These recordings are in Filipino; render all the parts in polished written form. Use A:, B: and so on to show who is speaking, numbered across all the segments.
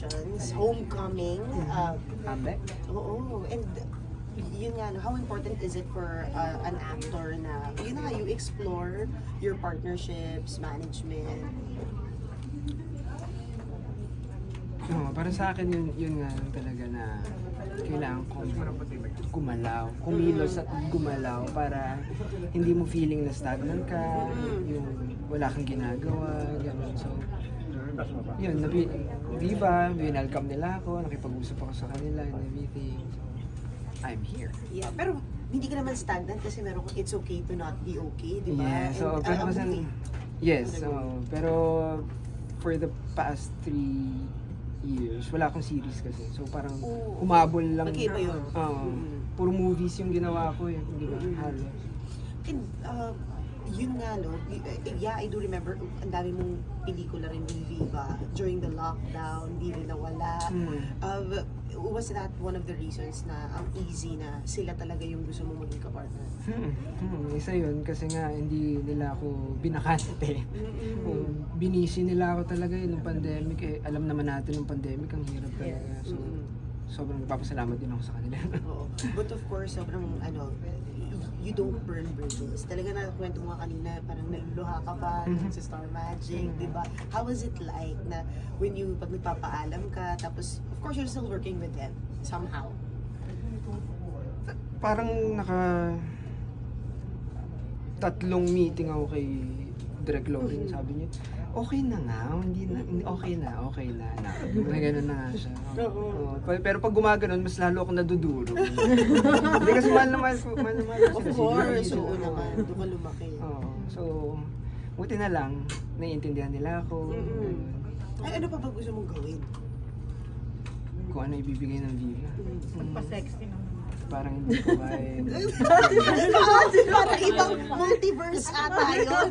A: Congratulations, Homecoming.
B: Ame?
A: Oo, and yun nga, no, how important is it for an actor na, yun na nga, you explore your partnerships, management.
B: Para sa akin yun nga lang talaga na kailangan kong gumalaw, kumilos at gumalaw para hindi mo feeling na stagnant ka, yung wala kang ginagawa, gano'n. So, yun, Viva, winelcome nila ako, nakipag-usap ako sa kanila and everything. So, I'm here.
A: Yeah, pero hindi ka naman stagnant kasi meron kang it's okay to not be okay, di ba?
B: Yeah, so,
A: And,
B: pero
A: a
B: kasi,
A: movie.
B: yes, pero for the past 3 years, wala akong series kasi. So parang humabol lang.
A: Magkaiba yun.
B: Puro movies yung ginawa ko eh, di ba? Halos.
A: And yun nga, no, yeah, I do remember, ang dami mong pelikula rin with Viva during the lockdown, hindi rin nawala. Was that one of the reasons na ang easy na sila talaga yung gusto mong maging kapartner?
B: Isa yun kasi nga hindi nila ako binakante. Binisi nila ako talaga nung pandemic eh. Alam naman natin nung pandemic ang hirap talaga. So sobrang nagpapasalamat din ako sa kanila.
A: Oo. But of course, sobrang you don't burn bridges. Talaga na kwento mo nga kanina, parang naluluha ka pa sa Star Magic, di ba? How was it like na when you, pag nagpapaalam ka, tapos of course you're still working with them somehow?
B: Parang tatlong meeting ako kay Direk Loring, sabi niya, okay na nga, okay na. May ganun na nga siya. Pero pag gumaganon, mas lalo akong naduduro. Hindi kasi mahal na mahal ko.
A: Of course, oo naman, doon ka lumaki.
B: So, buti na lang, naiintindihan nila ako.
A: Ay, ano pa ba gusto mong gawin?
B: Kung ano ibibigay ng Viva.
C: Magpa-sexy naman.
B: Parang hindi ko kaya.
A: Parang ibang multiverse ata yun.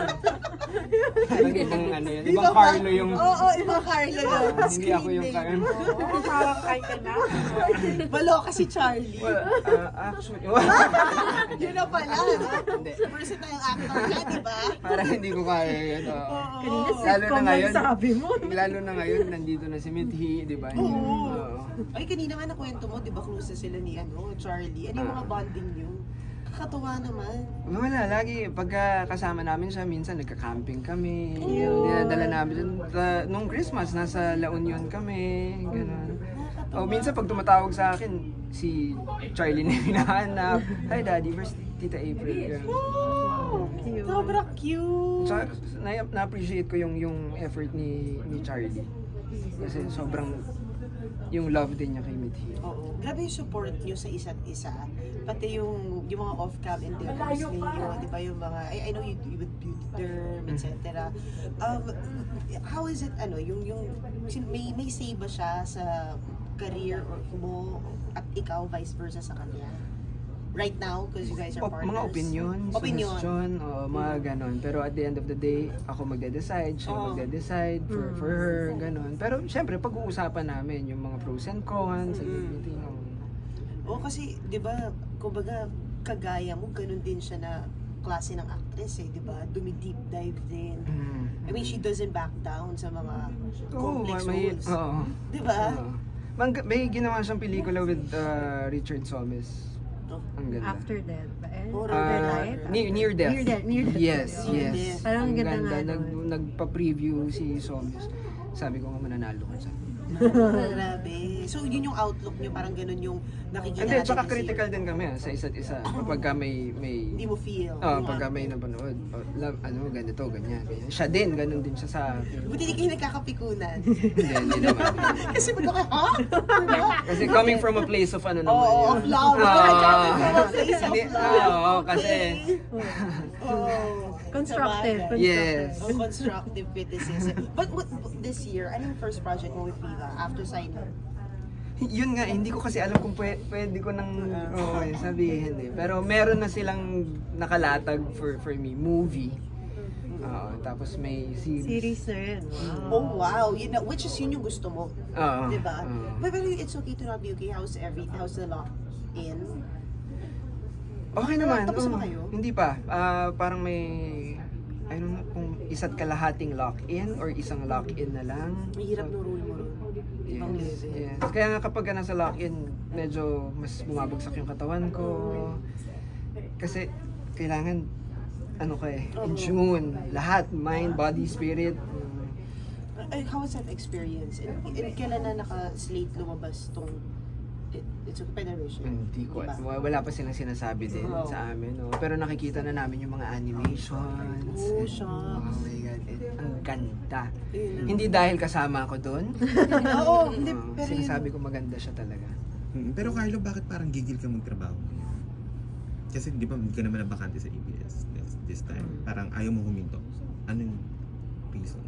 B: Parang ibang ano yun, ibang Carlo yung...
A: Oo, ibang Carlo yun.
B: Hindi ako yung Carlo.
C: Oo, parang kay ka na.
A: Maloka si Charlie.
B: Well, actually...
A: Yun na pala, no?
B: Hindi.
A: Versatile actor ka, di ba?
B: Parang hindi ko kaya yun.
C: Kanina
B: Lalo na
C: sitcom
B: ngayon,
C: lang sabi mo.
B: lalo na ngayon, nandito na si Mithi, di ba?
A: Oo. Ay, kanina nga nakwento mo, di ba, close na sila ni Charlie. Ano yung mga bonding nyo? Kakatuwa naman.
B: Wala, lagi. Pagka kasama namin siya, minsan nagka-camping kami. Dinadala namin. Nung Christmas, nasa La Union kami. Ganun. O minsan pag tumatawag sa akin, si Charlie na yung hinahanap. Hi Daddy, where's Tita April? Ganun.
A: Oh, sobrang cute.
B: So, na-appreciate ko yung effort ni Charlie. Kasi sobrang yung love din niya kay Mithi.
A: Oo. Grabe yung support nyo sa isa't isa. Pati yung mga off-cam endeavors ninyo, di ba yung mga, I know you with beauty derm, etc. How is it, may say ba siya sa career mo at ikaw vice versa sa kanya? Right now, because you guys are partners.
B: Mga suggestion, mga ganon. Pero at the end of the day, ako magde-decide, siya magde-decide for her, ganon. Pero syempre, pag-uusapan namin yung mga pros and cons, everything.
A: Kasi, di ba, kumbaga, kagaya mo, ganun din siya na klase ng actress di ba? Dumi-deep dive din. I mean, she doesn't back down sa mga complex roles. Di ba?
B: May ginawa siyang pelikula with Richard Somes. Ang ganda.
C: After Death ba?
B: Near Death.
C: Near Death.
B: Yes.
C: Parang
B: Ang
C: ganda nga.
B: Nagpa-preview si Somes. Sabi ko nga mananalo ka sa
A: Grabe. So, yun yung outlook niyo, parang ganun yung nakikita
B: Hindi,
A: natin
B: tsaka
A: kasi
B: critical din kami sa isa't isa. Pagka may
A: hindi mo feel.
B: pagka may napanood, ganito, ganyan. Siya din, ganun din siya sa akin.
A: Buti di kayo nagkakapikunan.
B: Hindi naman.
A: Kasi ba't ako, ha? Diba?
B: Kasi coming from a place of ano naman
A: Oo,
B: yun.
A: of love. Coming from a place of
B: Hindi,
A: love.
B: oo, kasi
C: Constructive.
B: yes.
A: Constructive criticism. But this year, ano yung first project mo with Viva after signing?
B: Yun nga, hindi ko kasi alam kung pwede ko nang sabihin eh. Pero meron na silang nakalatag for me, movie. Tapos may series.
C: Series na rin. Wow.
A: Oh wow, which is yun yung gusto mo.
B: Oo.
A: Diba? But it's okay to not be okay. How's the lock in?
B: Okay naman.
A: Tapos na ba kayo?
B: Hindi pa. Parang may, I don't know kung isa't kalahating lock-in or isang lock-in na lang.
A: Mahirap no rule mo rin.
B: Kaya nga kapag nasa lock-in, medyo mas bumabagsak yung katawan ko. Kasi kailangan, in tune. Lahat, mind, body, spirit.
A: How was that experience? And kailan na naka-slate lumabas tong It's a Federation?
B: Hindi ko,
A: Diba?
B: wala pa silang sinasabi din
A: Oo.
B: sa amin. No? Pero nakikita na namin yung mga animations.
A: Oh,
B: And,
A: shucks.
B: oh my God, ang ganda.
A: Yun.
B: Hindi dahil kasama ako doon.
A: Oo, hindi. Pero
B: Sinasabi ko maganda siya talaga.
D: Pero Carlo, bakit parang gigil ka magtrabaho ngayon? Kasi di ba, hindi ka naman nabakante sa ABS this time. Parang ayaw mo huminto. Ano yung reason?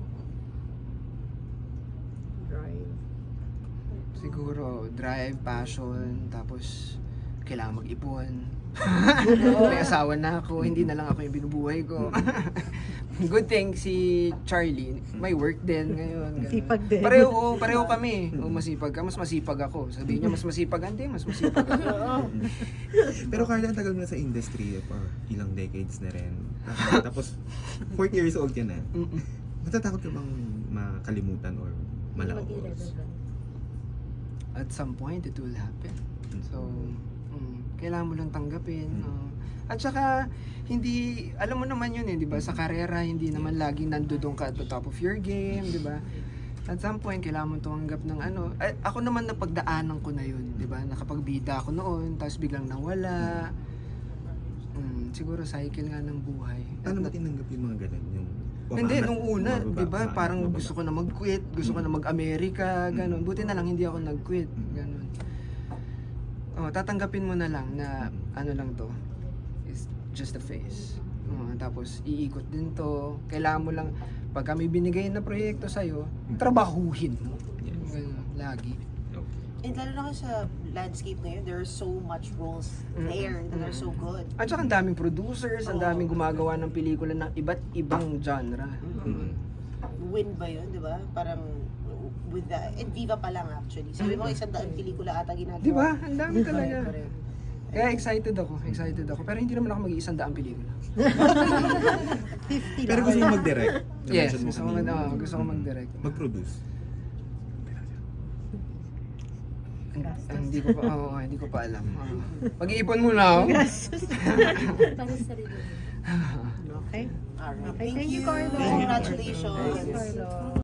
B: Siguro, drive, passion, tapos kailangan mag-ipon. May asawa na ako, hindi na lang ako yung binubuhay ko. Good thing si Charlie, may work din ngayon. ganun.
C: Masipag din.
B: Pareho kami. O masipag ka, mas masipag ako. Sabihin niya, mas masipag, hindi, mas masipag ako.
D: Pero Carlo, ang tagal mo na sa industry for ilang decades na rin. Tapos, 40 years old ka na. Natatakot ka bang makalimutan or malaos?
B: At some point, it will happen. So, kailangan mo lang tanggapin. At saka, hindi, alam mo naman yun di ba? Sa karera, hindi naman laging nandoon ka at the top of your game, di ba? At some point, kailangan mo tumanggap ng ako naman napagdaanan ko na yun, di ba? Nakapagbida ako noon, tapos biglang nawala. Siguro cycle nga ng buhay.
D: Paano mo tinanggap yung mga ganun? Yung
B: Hindi, nung una,
D: bumababa,
B: di ba,
D: bumababa,
B: parang
D: bumababa.
B: gusto ko na mag-quit, gusto ko na mag-Amerika, ganun. Buti na lang hindi ako nag-quit, ganun. Tatanggapin mo na lang na ano lang to, is just a phase. Tapos iikot din to, kailangan mo lang, pag kami binigay na proyekto sa'yo, trabahuhin mo.
D: Yes.
B: Ganun, lagi.
D: Okay.
A: And lalo na kasi sa landscape ngayon, there are so much roles there that are so good.
B: At saka ang daming producers, ang daming gumagawa ng pelikula ng iba't ibang genre.
A: Win ba yun, di ba? Parang with the, and Viva pa lang actually. Sabi mo, 100 pelikula ata ginagawa.
B: Di ba? Ang dami talaga.
A: Correct.
B: Kaya excited ako. Pero hindi naman ako mag-100 pelikula.
C: 50
D: Pero
C: lang.
D: gusto mo mag-direct?
B: Yes,
D: Na-mention mo
B: gusto ko,
D: kanina.
B: gusto ko mag-direct.
D: Mag-produce?
B: Hindi ko pa alam. Mag-iipon muna ako.
E: Para sa sarili mo.
C: Okay.
A: Alright.
C: Okay, thank you, Carlo.
A: Congratulations.
C: Thank you, Carlo.